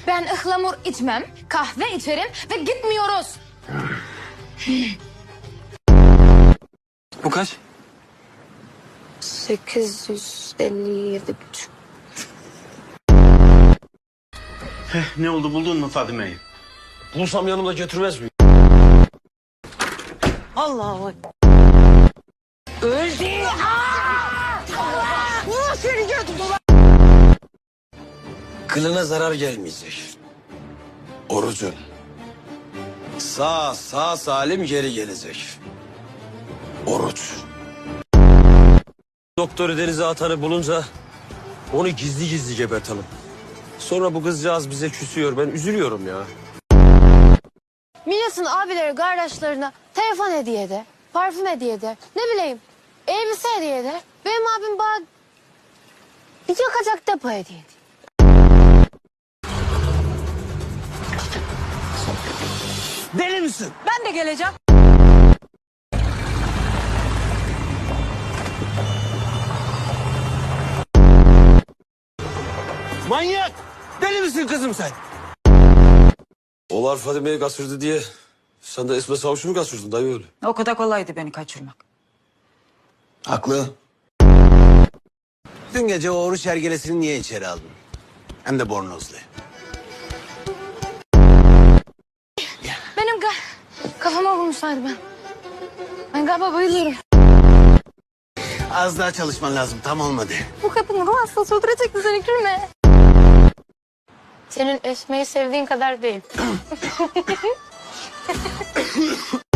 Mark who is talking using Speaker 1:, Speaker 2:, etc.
Speaker 1: Ben ıhlamur içmem, kahve içerim ve gitmiyoruz.
Speaker 2: Bu kaç?
Speaker 3: 857,5.
Speaker 4: Ne oldu, buldun mu Fadime'yi?
Speaker 2: Bulsam yanımda götürmez miyim?
Speaker 3: Allah'a bak. Öldü. Seni gördüm ulan.
Speaker 2: Kılına zarar gelmeyecek. Orucun. Sağ salim geri gelecek. Oruç. Doktoru denize atanı bulunca onu gizli gizli gebertelim. Sonra bu kızcağız bize küsüyor. Ben üzülüyorum ya.
Speaker 3: Milas'ın abileri kardeşlerine telefon hediye eder, parfüm hediye eder, ne bileyim elbise hediye eder. Benim abim bana bir yakacak depo hediye ediyor.
Speaker 2: Deli misin?
Speaker 3: Ben de geleceğim.
Speaker 2: Manyak! Deli misin kızım sen? Olar Fadime'yi kaçırdı diye sen de Esme Savuş'u mu kaçırdın dayı öyle?
Speaker 5: O kadar kolaydı beni kaçırmak.
Speaker 6: Haklı. Dün gece o oruç hergelesini niye içeri aldın? Hem de bornozlu.
Speaker 1: Benim kafama vurmuşlardı ben. Ben galiba bayılıyorum.
Speaker 6: Az daha çalışman lazım, tam olmadı.
Speaker 1: Bu kapının ruh hastası öldürecekti seni, gülme. Senin Esme'yi sevdiğin kadar değil.